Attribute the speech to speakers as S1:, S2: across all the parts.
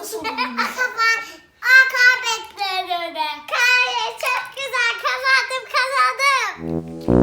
S1: nasıl oldu?
S2: Kaybettim. Çok güzel kazandım.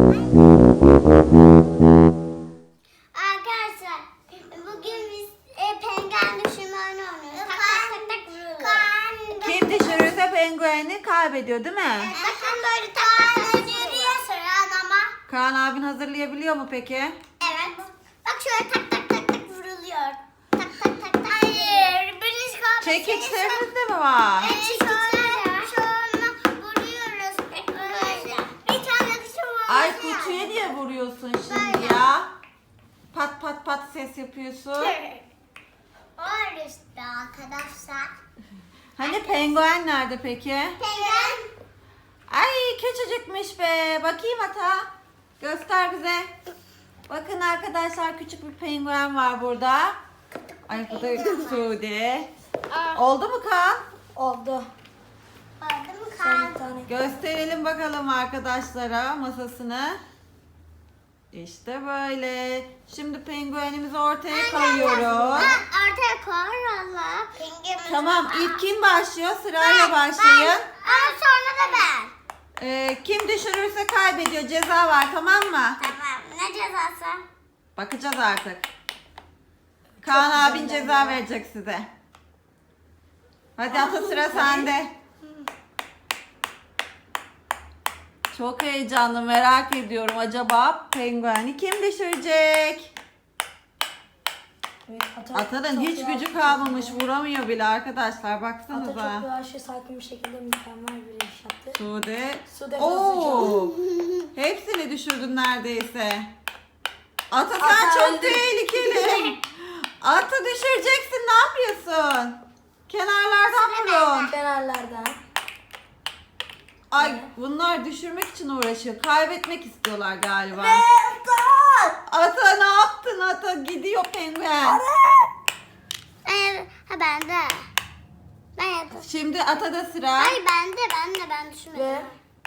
S2: Arkadaşlar bugün biz penguen düşürme oyunu oynuyoruz. Tak vuruyoruz.
S1: Kim düşürürse pengueni kaybediyor değil mi?
S2: Bakın böyle tak yürüyor sıra ama.
S1: Kaan abin hazırlayabiliyor mu peki?
S2: Evet. Bak şöyle tak vuruluyor. Tak. Hayır. Birisi kalmış.
S1: Çekiçleriniz de mi var?
S2: Şöyle vuruyoruz. Böyle. Bir tane kişi var.
S1: Ay kutuya niye vuruyorsun şimdi ya? Pat ses yapıyorsun.
S2: Var işte arkadaşlar.
S1: Hani penguen nerede peki?
S2: Penguen.
S1: Ay küçücükmüş be. Bakayım ata. Göster bize. Bakın arkadaşlar küçük bir penguen var burada. Ay bu da Sude. Oldu mu Kaan?
S3: Oldu.
S2: Oldu mu
S3: Son
S2: kan?
S3: bir tane.
S1: Gösterelim bakalım arkadaşlara masasını. İşte böyle. Şimdi penguenimizi ortaya koyuyoruz.
S2: Ortaya koy valla.
S1: Tamam ilk kim başlıyor? Sırayla başlayın.
S2: Sonra da ben.
S1: Kim düşürürse kaybediyor. Ceza var tamam mı?
S2: Tamam. Ne cezası?
S1: Bakacağız artık. Kaan abin ceza verecek size. Hadi ata sıra sende. Çok heyecanlı merak ediyorum. Acaba pengueni kim düşürecek?
S3: Evet,
S1: Atanın
S3: çok
S1: hiç
S3: yavaş
S1: gücü
S3: bir
S1: kalmamış.
S3: şekilde-
S1: Vuramıyor bile arkadaşlar.
S3: Ata
S1: Baksanıza.
S3: çok yavaş ve sakin bir şekilde mükemmel bir iş yaptı.
S1: Sude.
S3: Sude
S1: Oo. Hepsini düşürdün neredeyse. Ata sen
S3: Ata
S1: çok
S3: öldü.
S1: tehlikeli. Ata düşüreceksin. Ne yapıyorsun? Kenarlardan vurun.
S3: Kenarlardan.
S1: Ay bunlar düşürmek için uğraşıyor. Kaybetmek istiyorlar galiba. Ata ne yaptın Ata? Gidiyor penguen.
S2: Ben de. Ben yaptım.
S1: Şimdi Ata'da sıra.
S2: Hayır ben düşünmedim.
S3: Ve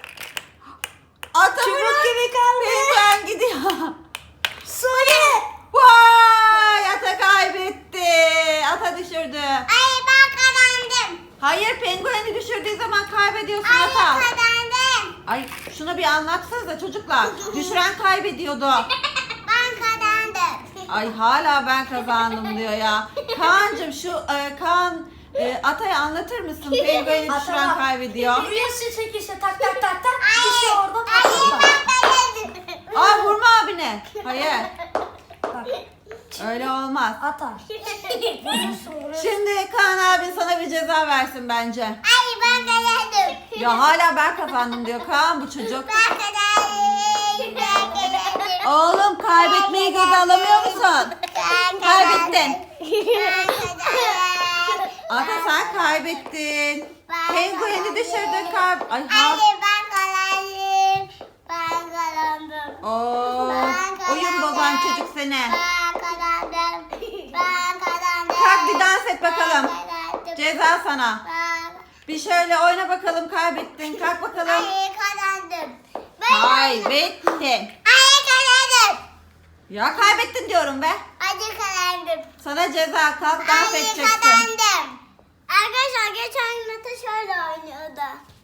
S1: Ata
S3: çubuk
S1: bırak.
S3: gibi kaldı.
S1: Penguen gidiyor.
S3: Sude.
S1: Vay Ata kaybetti. Ata düşürdü.
S2: Ay ben kazandım.
S1: Hayır pengueni düşürdüğü zaman kaybediyorsun
S2: Ay
S1: Ata.
S2: kazandım.
S1: Ay şunu bir anlatsanıza çocuklar. Düşüren kaybediyordu.
S2: Ben kazandım.
S1: Ay hala ben kazandım diyor ya. Kaan'cığım şu Kaan Atay'a anlatır mısın? Pengueni düşüren
S3: Ata.
S1: kaybediyor.
S3: Vuruyorsun çekişle tak. Kişi orada
S2: Hayır
S3: tak.
S2: ben kazandım.
S1: Aa vurma abine. Hayır.
S3: Bak.
S1: Öyle olmaz.
S3: Atar. Vuruyorsun.
S1: Şimdi Kaan abin sana bir ceza versin bence.
S2: Hayır ben kazandım.
S1: Ya hala ben kazandım diyor Kaan bu çocuk.
S2: Ben kazandım. Ben kazandım.
S1: Oğlum kaybetmeyi göze alamıyor musun?
S2: Ben
S1: Kaybettin.
S2: Ben kazandım.
S1: Ata sen kaybettin.
S2: Ben
S1: Pengueni
S2: kazandım.
S1: düşürdün Ay
S2: Hayır ben kazandım. Ben kazandım.
S1: Oo, oyun bozan çocuk seni.
S2: Ben kazandım. Ben kazandım.
S1: Kalk bir dans et bakalım.
S2: Ben kazandım.
S1: Ceza sana.
S2: Ben-
S1: Bir şöyle oyna bakalım kaybettin. Kalk bakalım.
S2: Hayır kazandım. Ben
S1: Kaybettin.
S2: Hayır kazandım.
S1: Ya kaybettin diyorum be.
S2: Hadi kazandım.
S1: Sana ceza kalk dans
S2: Hayır
S1: edeceksin.
S2: kazandım. Arkadaşlar geçen gün Mete şöyle oynuyordu.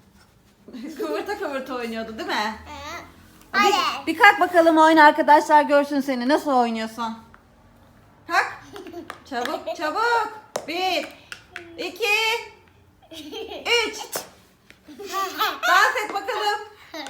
S1: Kıvırta oynuyordu değil mi?
S2: Hayır.
S1: Bir kalk bakalım oyna arkadaşlar görsün seni. Nasıl oynuyorsun? Kalk. Çabuk. 1, 2, 3. Dans et bakalım.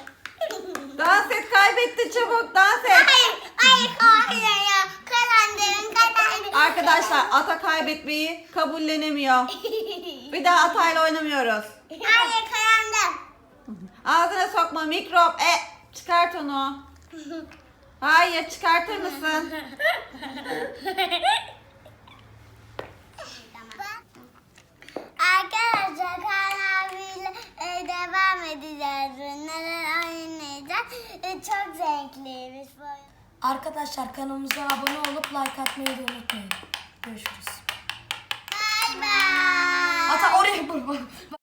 S1: Dans et kaybettin çabuk dans et.
S2: Hayır ya. Kazandım.
S1: Arkadaşlar ata kaybetmeyi kabullenemiyor. Bir daha atayla oynamıyoruz.
S2: Hayır kazandım.
S1: Ağzına sokma mikrop. Çıkart onu. Hayır çıkartır mısın?
S2: Arkadaşlar Kaan abiyle devam edeceğiz. Neler oynayacağız. Çok zevkliymiş bu oyun.
S3: Arkadaşlar kanalımıza abone olup like atmayı da unutmayın. Görüşürüz.
S2: Bay bay.
S3: Ata oraya vur.